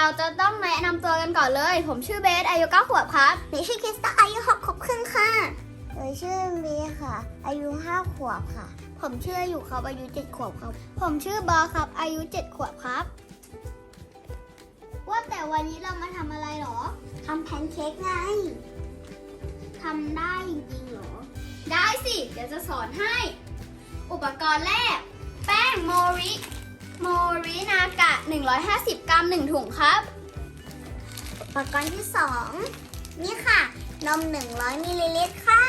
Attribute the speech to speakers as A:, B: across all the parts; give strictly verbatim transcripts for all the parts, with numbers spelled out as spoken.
A: เราจะต้องแนะนำตัวกันก่อนเลย ผมชื่อเบสอายุเก้าขวบครับ
B: หนูชื่อคริสตาอายุหกขวบครึ่งค่ะหนูชื่อเบียค่ะ อายุห้าขวบค่ะ
A: ผมชื่ออยู่ครับอายุเจ็ดขวบครับ ผมชื่อบอครับอายุเจ็ดขวบครับ ว่าแต่วันนี้เรามาทำอะไรหรอ
B: ทำแพนเค้กไง
A: ทำได้จริงๆหรอ ได้สิ เดี๋ยวจะสอนให้ อุปกรณ์แรก แป้งโมริโมรินากะหนึ่งร้อยห้าสิบกรัมหนึ่งถุงครับ
B: อุปกรณ์ที่สองนี่ค่ะ นมหนึ่งร้อยมิลลิลิตรค่ะ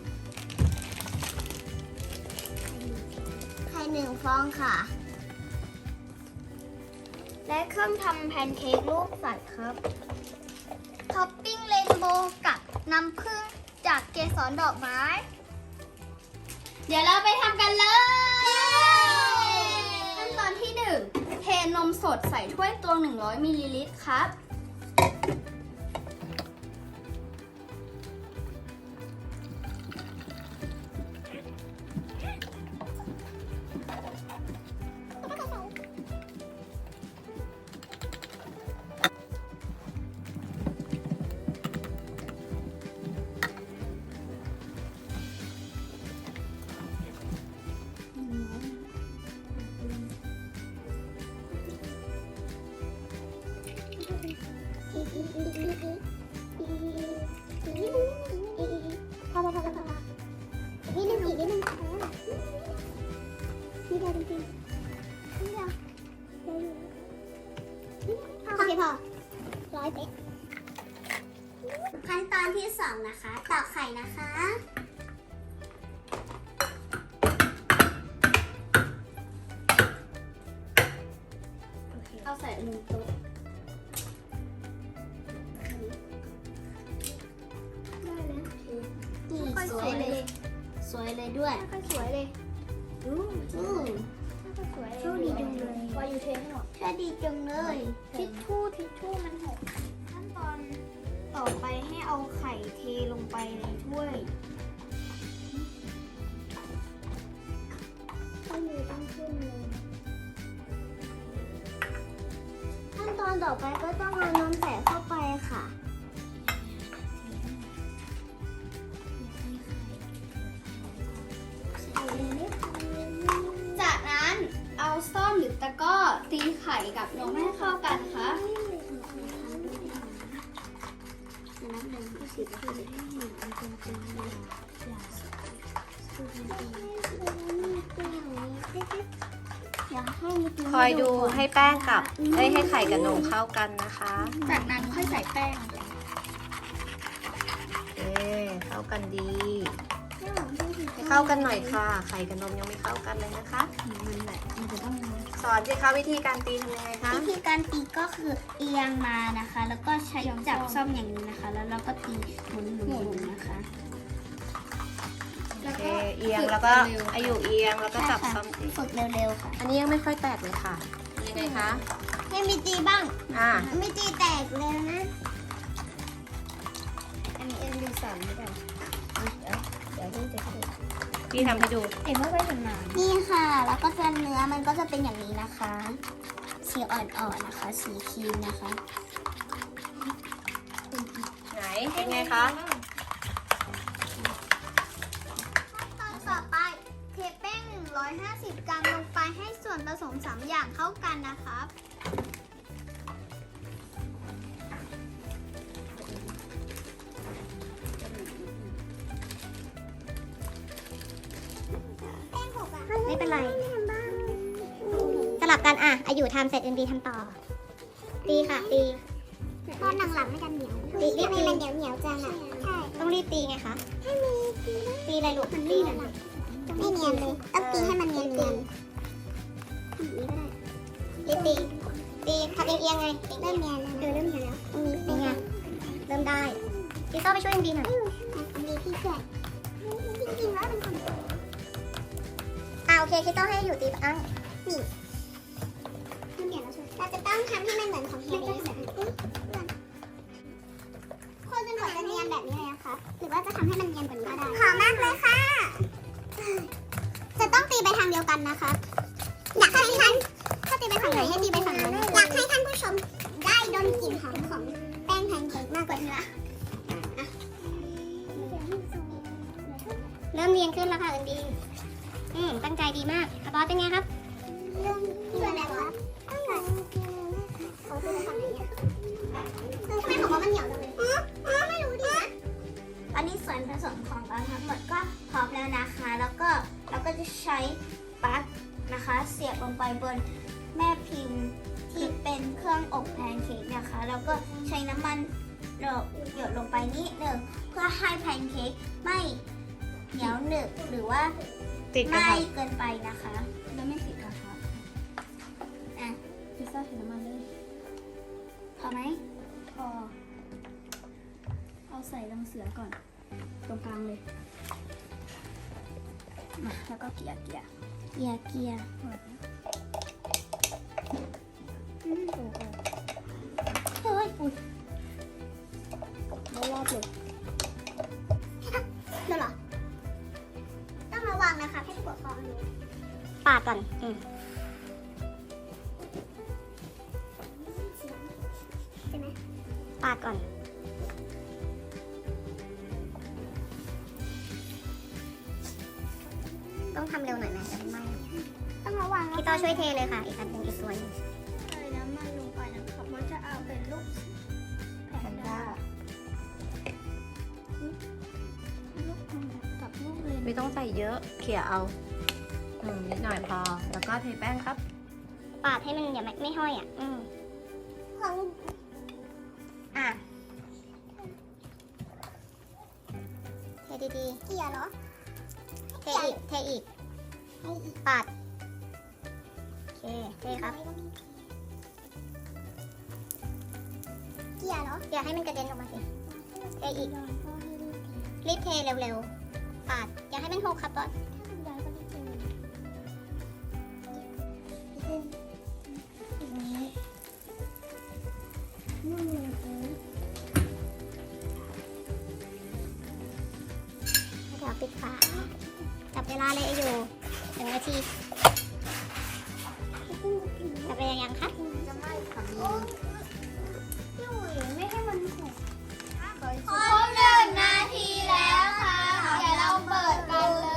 B: ไข่หนึ่งฟองค่ะ
A: และเครื่องทำแพนเค้กรูปสัตว์ครับ ท็อปปิ้งเรนโบว์กับน้ำผึ้งจากเกสรดอกไม้ เดี๋ยวเราไปทำกันเลยขั้นตอนที่หนึ่งเทนมสดใส่ถ้วยตวงหนึ่งร้อยมิลลิลิตรครับ
B: พอพอพอพอนิดนึงอีกนิดนึงนี่ได้จริงๆนี่เดียวโอเคพอร้อยเป๊ะขั้นตอนที่สองนะคะตอกไข่นะคะ
A: เอาใส่หนึ่งโต๊ะได้แล้ว
B: นี่
A: ค่อย
B: ส
A: ส
B: ว
A: วย ย
B: เล
A: เลย ย
B: สวยเลยด้วย
A: ค่อยสวยเลย
B: อืมอืม
A: ค่อยสวยเลย
B: โชคดีจังเลย
A: วายูเทให้หน่อย
B: แค่ดีจังเลย
A: ทิชชู่ทิชชู่มันหกขั้นตอนต่อไปให้เอาไข่เทลงไปในถ้วย
B: ต้องมีต้องขึ้นเลยขั้นตอนต่อไปก็ต้องเอานมใส่เข้าไปค่ะ
A: จากนั้นเอาซ่อมหรือตะกร้อตีไข่กับนมให้เข้ากันค่ะ
C: คอยดูให้แป้งกับเอ้ยให้ไข่กับนมเข้ากันนะคะ
A: จากนั้นค่อยใส่แป้ง
C: เอ๊เข้ากันดีให้เข้ากันหน่อยค่ะ ไข่กับนมยังไม่เข้ากันเลยนะคะ
A: มันแบบมันจะต้อง
C: สอนสิคะวิธีการตีทำยังไงคะ
B: วิธีการตีก็คือเอียงมานะคะ แล้วก็ใช้จับซ่อมอย่างนี้นะคะ แล้วเราก็ตีหมุนหมุนๆนะคะ
C: โอเคเอียงแล้วก็อายุเอียงแล้วก็จับซ่อมตี
B: ฝึกเร็วๆค่ะ
C: อันนี้ยังไม่ค่อยแตกเลยค่ะยังไงคะ
B: ให้มีตีบ้าง
C: อ่า
B: ไม่ตีแตกเร็วนะ อันนี้เอ็นดูสามไม่ได้เดี๋ยวเดี๋ยวที่จะขึ้น
C: พี่ทำให้ดู
A: เอ็มไม่ค่อยชำนาญ
B: นี่ค่ะ แล้วก็จะเนื้อมันก็จะเป็นอย่างนี้นะคะ สีอ่อนๆนะคะ สีครีมนะคะ
C: ไหนเป็นไงคะ
A: ตอนต่อไปเทแป้งหนึ่งร้อยห้าสิบกรัมลงไปให้ส่วนผสมสามอย่างเข้ากันนะครับ
B: ไม่เป็นไร สลับกันอ่ะอายุทำเสร็จเอ็นดีทำต่อ ตีค่ะ ตีตอนหลังๆไม่กันเหนียวตีรีบตีมันเหนียวเหนียวจังอ่ะ ใช่ ต้องรีบตีไงคะ ให้มีตีตีอะไรลูกมันตีเลยไม่เนียนเลย ต้องตีให้มันเนียนเนียนรีบตี ตีทำเอียงๆไง เริ่มเนียนแล้วเออเริ่มเนียนแล้วตรงนี้เป็นไง เริ่มได้พี่ต้อไปช่วยเอ็นดีหน่อยอันนี้พี่ช่วยจริงๆแล้วเป็นคนอ่าโอเคคิดต้องให้อยู่ตีอ้างนี่เราจะต้องทำให้มันเหมือนของเฮลิสคนจนกว่าจะเนียนแบบนี้เลยนะคะหรือว่าจะทำให้มันเนียนกว่านี้ก็ได้ขอมากเลยค่ะ จะต้องตีไปทางเดียวกันนะคะ อยากให้ท่านถ้าตีไปฝั่งไหนให้ตีไปฝั่งนั้นอยากให้ท่านผู้ชมได้ดนเริ่มเรียงขึ้นแล้วค่ะเอินดีอืมตั้งใจดีมากอาบอสเป็นไงครับ
A: เรื่องที่อะไรวะตั้งแต่เขาพูดตอนไหนอ่ะทำไมของเขามันเหนียวจังเลยอ๋ออ๋อไม่รู้ดินะตอนนี้ส่วนผสมของเราทั้งหมดก็พร้อมแล้วนะคะ แล้วก็เราก็จะใช้ปลั๊กนะคะ เสียบลงไปบนแม่พิมพ์ที่เป็นเครื่องอบแพนเค้กนะคะ แล้วก็ใช้น้ำมันหยดลงไปนิดหนึ่งเพื่อให้แพนเค้กไม่เหนียวหนึบหรือว่า
C: ติดกระ
A: ไม่
C: ทะ
A: เกินไปนะคะแล้วไม่ติดกระทะอ่ะ
B: พิซซ่าใส่น้ำมันเลย
A: พอไหม
B: พอเอาใส่รังเสือก่อน ตรงกลางเลยมาแล้วก็เกี่ยเกี่ย
A: เกียร์เกียร์
B: อืมโอ้โหเฮ้ยอุ้ยไม่รอบเลย
A: เดี๋ยวเหรอ ต้องระวังนะคะให้ปวดคอรู้
B: ปาดก่อนอืม
A: ใช่ไหม
B: ปาดก่อน ต้องทำเร็วหน่อยไหมจะไม่ไหม้
A: ต้องระวังนะ
B: พี่ต้อช่วยเทเลยค่ะ อีกอันหนึ่งอีกตัวหนึง
A: ใส่น้ำมันลงไปนะคะเพราะจะเอาเป็นลูก
C: แพนด้า
A: ลูกกับลูกเลน
C: ไม่ต้องใส่เยอะเขี่ยเอาอืมนิดหน่อยพอ แล้วก็เทแป้งครับ
B: ปาดให้มันอย่าไม่ไม่ห้อยอ่ะ อืม
A: ของ
B: อ่ะเทดี
A: เกียร์เหรอ
B: ๆ เทอีก เทอีก
A: ให้อีก
B: ปาด โอเค เทครับ
A: เกียร์เหรอ
B: อย่าให้มันกระเด็นออกมาสิ เทอีก รีบเทเร็วๆ ปาด อย่าให้มันหกครับบอส เดี๋ยวปิดฝา จับเวลาเลยอยู่หนึ่งนาที จับเวลายังคะ
A: จะไม่ค่ะพี่อุ๋ยไม่ให้มันหกครบหนึ่งนาทีแล้วค่ะ เดี๋ยวเราเปิดกันเลย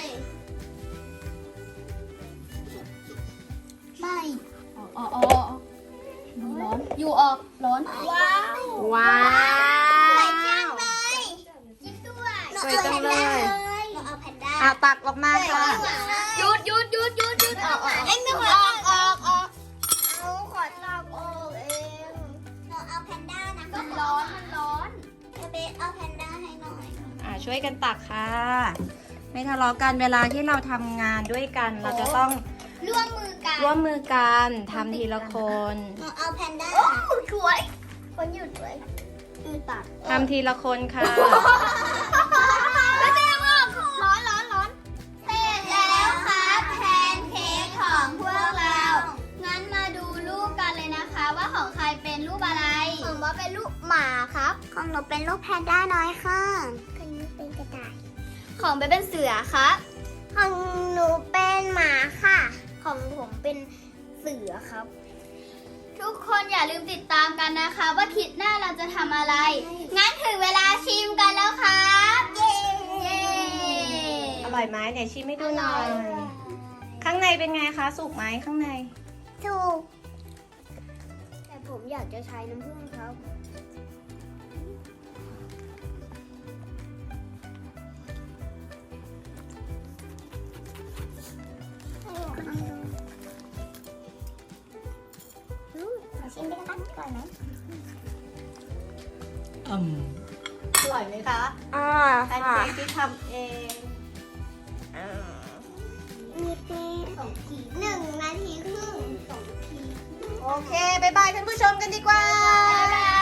A: ไม่
B: อ๋ออ๋อร้อน อยู่ออกร้อน
A: ว้าว
C: ว้า
A: สวยจัง
C: ว
A: เลยยิ้มด้วย
C: สวยจังเลย
A: เราเอาแพนด้า
C: อ่ะตักออกมาค่ะ
A: หยุดหยุดหยุดหยุดหยุดออกออกเอ็งไม่ออกออกออกเอาขอตักออกเองเราเอาแพนด้านะมันร้อนมันร้อนเบสเอาแพนด้าให้หน่อย
C: อ่ะช่วยกันตักค่ะ ไม่ทะเลาะกันเวลาที่เราทำงานด้วยกัน เราจะต้อง
A: ร่วมมือกัน
C: ร่วมมือกันทำทีละคน
A: เราเอาแพนด้าโอ้สวยคนหยุดสวยอือตัด
C: ทำทีละคนค่ะ
A: ไม่เป็นไรร้อนร้อนร้อนเสร็จแล้วครับแพนเค้กของพวกเรา งั้นมาดูรูปกันเลยนะคะ ว่าของใครเป็นรูปอะไร ของว่าเป็นรูปหมาครับ ของหนูเป็นรูปแพนด้าน้อยค่ะของหนูเป็นกระต่าย ของเบเป็นเสือครับ ของหนูเป็นหมาค่ะ ของผมเป็นเสือครับ ทุกคนอย่าลืมติดตามกันนะคะ ว่าคลิปหน้าเราจะทำอะไร งั้นถึงเวลาชิมกันแล้วครับ เย้
C: อร่อยไหมเนี่ยชิมให้ดูหน่อย ข้างในเป็นไงคะ สุกไหมข้างใน
A: ถูก แต่ผมอยากจะใช้น้ำผึ้งครับ
B: ชิมด้วยกันก่อนไหม
C: อืมอร่อยไหมคะ
A: อ่า
C: แพนเค้กที่ทำเอง
A: มีเป็นสองทีหนึ่งนาทีครึ่งสองที
C: โอเค บ๊ายบายท่านผู้ชมกันดีกว่า
A: บ๊ายบาย